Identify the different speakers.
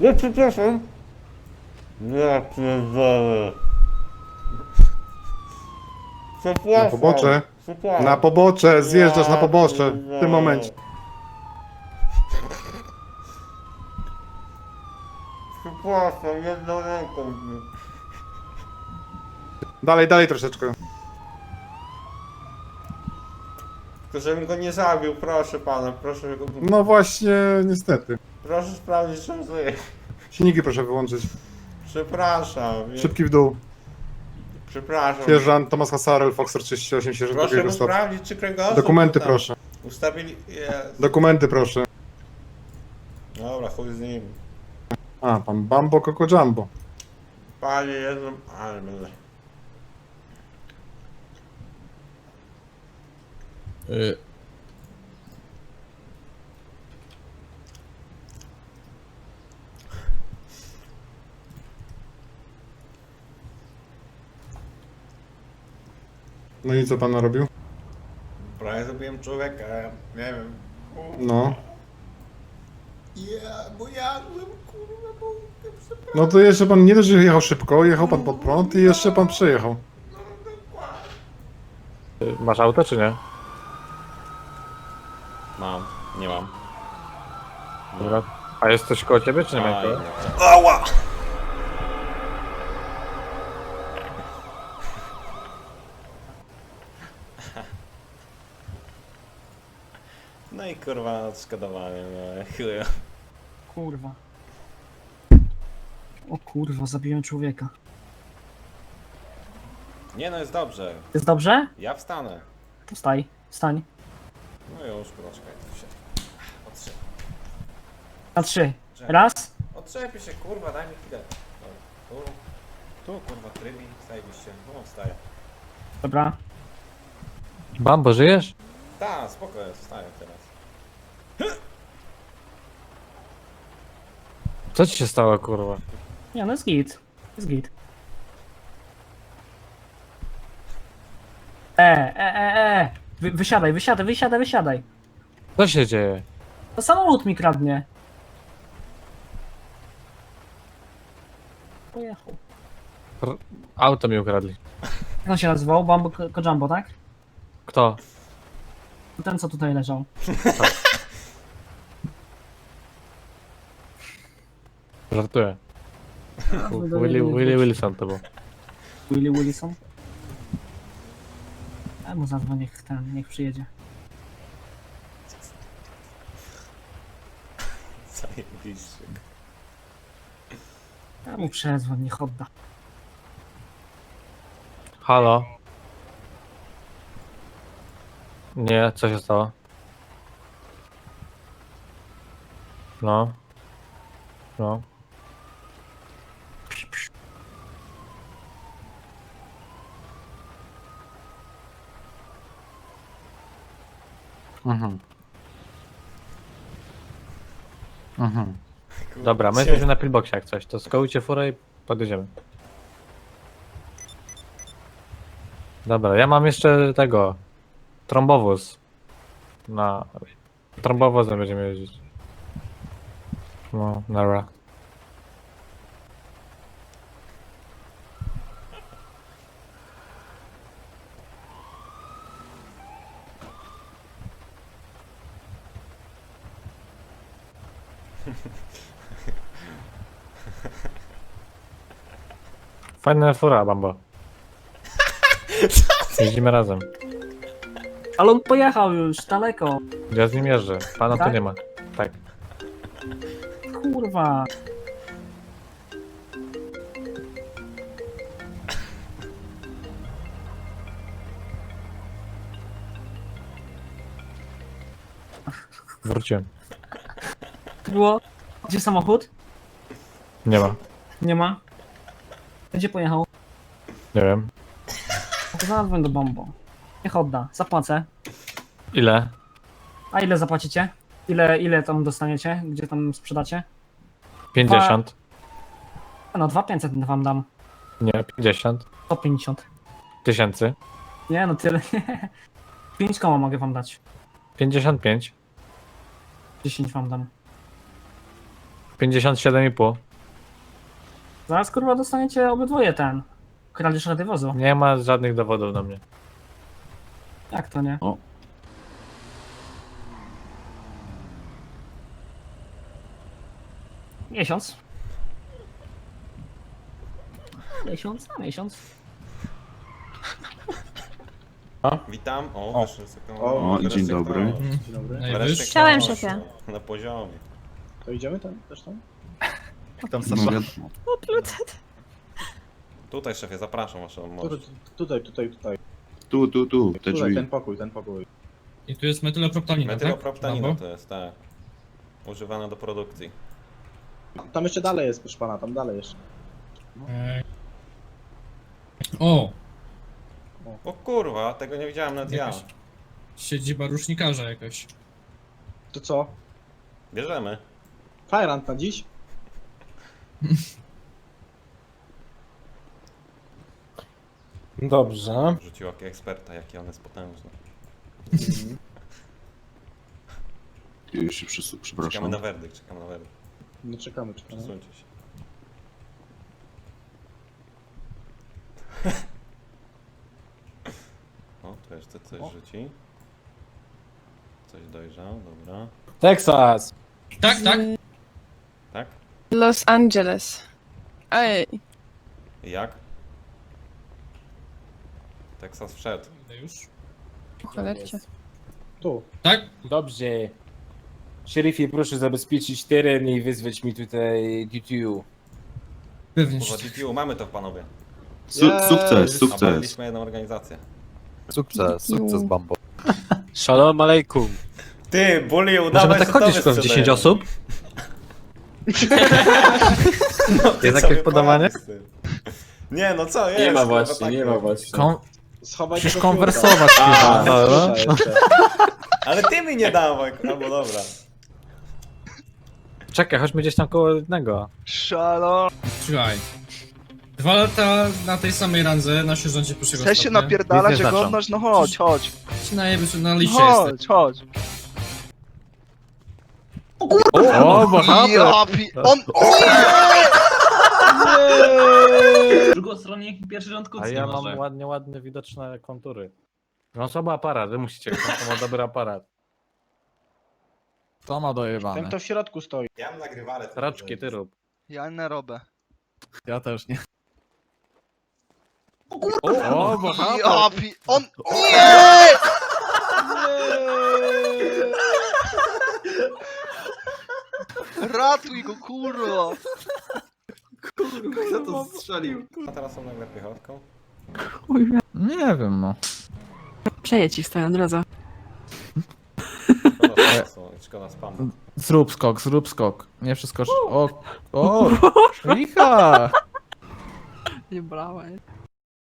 Speaker 1: Ja przepraszam. Ja pierdolę. Przepraszam.
Speaker 2: Na pobocze.
Speaker 1: Przepraszam.
Speaker 2: Na pobocze, zjeżdżasz na pobocze. W tym momencie.
Speaker 1: Przepraszam, jedną ręką.
Speaker 2: Dalej, dalej troszeczkę.
Speaker 1: Tylko żebym go nie zabił, proszę pana, proszę go...
Speaker 2: No właśnie, niestety.
Speaker 1: Proszę sprawdzić, czy on żyje.
Speaker 2: Silniki proszę wyłączyć.
Speaker 1: Przepraszam.
Speaker 2: Szybki w dół.
Speaker 1: Przepraszam.
Speaker 2: Sierżant Tomasz Hasarel, Foxer 38, sierżant
Speaker 1: Proszę
Speaker 2: drugiego
Speaker 1: mu
Speaker 2: stopnia.
Speaker 1: sprawdzić, czy kręgosłup...
Speaker 2: Dokumenty
Speaker 1: tam
Speaker 2: proszę.
Speaker 1: Ustawili... Jest.
Speaker 2: Dokumenty proszę.
Speaker 1: Dobra, chuj z nim.
Speaker 2: A, pan Bambo Coco Jumbo.
Speaker 1: Panie Jezu... Ale będę...
Speaker 2: No i co pan narobił?
Speaker 1: Prawie zabiłem człowieka, nie wiem.
Speaker 2: No.
Speaker 1: Bo jadłem, kurwa, bo...
Speaker 2: No to jeszcze pan nie dość, że jechał szybko, jechał pan pod prąd i jeszcze pan przejechał.
Speaker 3: Masz auto czy nie?
Speaker 1: Mam, nie mam.
Speaker 3: Dobra. A jest coś koło ciebie czy nie ma?
Speaker 1: Ała! No i kurwa odszkodowanie, no chuja.
Speaker 4: Kurwa. O kurwa, zabiłem człowieka.
Speaker 1: Nie no, jest dobrze.
Speaker 4: Jest dobrze?
Speaker 1: Ja wstanę.
Speaker 4: To wstaj, wstań.
Speaker 1: No już, poczekaj, tu się... Otrze...
Speaker 4: Na 3. Raz.
Speaker 1: Otrzepię się, kurwa, daj mi chwilę. Dobra, tu kurwa, trybi, zajebiście. No, wstaję.
Speaker 4: Dobra.
Speaker 3: Bambo, żyjesz?
Speaker 1: Tak, spoko jest, wstaję teraz.
Speaker 3: Co ci się stało, kurwa?
Speaker 4: Nie, no jest git. Jest git. Wysiadaj, wysiadaj, wysiadaj, wysiadaj.
Speaker 3: Co się dzieje?
Speaker 4: To samochód mi kradnie. Pojechał.
Speaker 3: Auto mi ukradli.
Speaker 4: Jak on się nazywał? Bambo Kojambo, tak?
Speaker 3: Kto?
Speaker 4: Ten, co tutaj leżał.
Speaker 3: Żartuję. Willy Wilson to był.
Speaker 4: Willy Willison. Ja mu zadzwonię, niech przyjedzie.
Speaker 1: Zajebiście.
Speaker 4: Ja mu przezwoń, niech odda.
Speaker 3: Halo? Nie, co się stało? No. No. Mhm. Mhm. Dobra, my jesteśmy na pillboxie jak coś, to skołujcie furę i podjedziemy. Dobra, ja mam jeszcze tego trombowóz. Na trombowozem będziemy jeździć. No, nara. Fajna fura, Bambo. Jeździmy razem.
Speaker 4: Ale on pojechał już, daleko.
Speaker 3: Ja z nim jeżdżę. Pana tu
Speaker 4: Tak?
Speaker 3: nie ma. Tak.
Speaker 4: Kurwa.
Speaker 3: Wróciłem.
Speaker 4: Było? Gdzie samochód?
Speaker 3: Nie ma.
Speaker 4: Nie ma. Gdzie pojechał?
Speaker 3: Nie wiem.
Speaker 4: Zadzwoń do Bambo. Niech odda, zapłacę.
Speaker 3: Ile?
Speaker 4: A ile zapłacicie? Ile tam dostaniecie? Gdzie tam sprzedacie?
Speaker 3: 50.
Speaker 4: No 2500 wam dam.
Speaker 3: Nie, 50.
Speaker 4: 150.
Speaker 3: Tysięcy.
Speaker 4: Nie no tyle. 5 koła mogę wam dać.
Speaker 3: 55.
Speaker 4: 10 wam dam.
Speaker 3: 57,5.
Speaker 4: Zaraz kurwa dostaniecie obydwoje ten. Kradzież radiowozu.
Speaker 3: Nie ma żadnych dowodów na mnie.
Speaker 4: Jak to nie?
Speaker 5: O.
Speaker 4: Miesiąc. Miesiąc na miesiąc.
Speaker 1: Witam. O,
Speaker 2: O.
Speaker 1: wreszcie
Speaker 5: O, dzień dobry.
Speaker 6: Dzień dobry.
Speaker 1: Wreszcie
Speaker 7: Chciałem,
Speaker 1: ktoś,
Speaker 7: szefie.
Speaker 1: no, na poziomie.
Speaker 6: To idziemy tam też tam?
Speaker 5: No, wiadomo.
Speaker 1: Tutaj szefie, zapraszam waszą moc.
Speaker 6: Tutaj.
Speaker 5: Tu, te
Speaker 6: Tutaj,
Speaker 5: drzwi.
Speaker 6: ten pokój.
Speaker 8: I tu jest metyloproptanina,
Speaker 1: Metyloproptanina
Speaker 8: tak?
Speaker 1: to jest, tak. Używana do produkcji.
Speaker 6: Tam jeszcze dalej jest, proszę pana, tam dalej jeszcze.
Speaker 8: Eee. O!
Speaker 1: O kurwa, tego nie widziałem nawet ja.
Speaker 8: Jakaś siedziba rusznikarza jakaś.
Speaker 6: To co?
Speaker 1: Bierzemy.
Speaker 6: Fajrant na dziś?
Speaker 9: Dobrze.
Speaker 1: Rzucił okiem eksperta, jaki on jest potężny.
Speaker 5: Już się
Speaker 1: Czekamy
Speaker 5: przepraszam.
Speaker 1: na werdykt, czekamy na werdykt.
Speaker 6: No czekamy.
Speaker 1: Przesuńcie się. O, tu jeszcze coś rzuci. Coś dojrzał, dobra.
Speaker 9: Texas.
Speaker 8: Tak.
Speaker 1: Tak?
Speaker 7: Los Angeles. Ej,
Speaker 1: I jak? Teksas wszedł.
Speaker 8: Idę już.
Speaker 7: cholercie.
Speaker 6: Tu.
Speaker 8: Tak?
Speaker 9: Dobrze. Szeryfie, proszę zabezpieczyć teren i wyzwać mi tutaj DTU.
Speaker 8: Pewnie.
Speaker 1: Kurwa, DPU, mamy to panowie.
Speaker 5: Sukces.
Speaker 1: Obaliliśmy jedną organizację.
Speaker 10: Sukces Bambo. Shalom alejkum.
Speaker 1: Ty, bully,
Speaker 3: Możemy
Speaker 1: udawaj,
Speaker 3: tak
Speaker 1: że
Speaker 3: chodzić
Speaker 1: tobie
Speaker 3: tylko w 10
Speaker 1: sprzedają.
Speaker 3: osób?
Speaker 1: No, ty
Speaker 3: Jest
Speaker 1: sobie
Speaker 3: jakieś podawanie?
Speaker 1: poradź z tym. Nie, no co, jest.
Speaker 9: Nie ma
Speaker 1: kurwa,
Speaker 9: właśnie,
Speaker 1: tak
Speaker 9: nie ma
Speaker 1: robisz.
Speaker 9: właśnie.
Speaker 6: Schowaj
Speaker 3: Przecież
Speaker 6: tego
Speaker 3: konwersować
Speaker 6: fiuta.
Speaker 3: chwilę.
Speaker 6: A, jeszcze.
Speaker 1: Ale ty mi nie dawaj, albo dobra.
Speaker 3: Czekaj, chodźmy gdzieś tam koło jednego.
Speaker 10: Shalom.
Speaker 8: Słuchaj. 2 lata na tej samej randze, na sierżancie pierwszego
Speaker 10: Chcesz się
Speaker 8: stopnia.
Speaker 10: napierdalać,
Speaker 3: Nic nie
Speaker 10: że
Speaker 3: znaczą.
Speaker 10: godność? No chodź, chodź.
Speaker 8: Ci najebie, że na liście jesteś.
Speaker 10: Chodź.
Speaker 3: O, bohater!
Speaker 10: Ja on...
Speaker 4: Drugostronnik, pierwszy rząd
Speaker 3: A ja mam ładnie widoczne kontury. No słaby aparat, wy musicie, to ma dobry aparat.
Speaker 10: To ma dojebane.
Speaker 6: Ten kto w środku stoi.
Speaker 1: Ja mam nagrywalę.
Speaker 3: Raczki, ty rób.
Speaker 10: Ja nie robię.
Speaker 3: Ja też nie.
Speaker 10: O,
Speaker 3: bohater!
Speaker 10: ja on... Nie! Ratuj go, kurwa.
Speaker 5: Kto to strzelił?
Speaker 1: A teraz są nagle piechotką.
Speaker 3: Nie wiem, no.
Speaker 7: Przeje ci stoją na drodze.
Speaker 1: Szkoda czasu, szkoda spamu.
Speaker 3: Zrób skok. Nie przeskoczysz. O, licha!
Speaker 7: Nie brałem.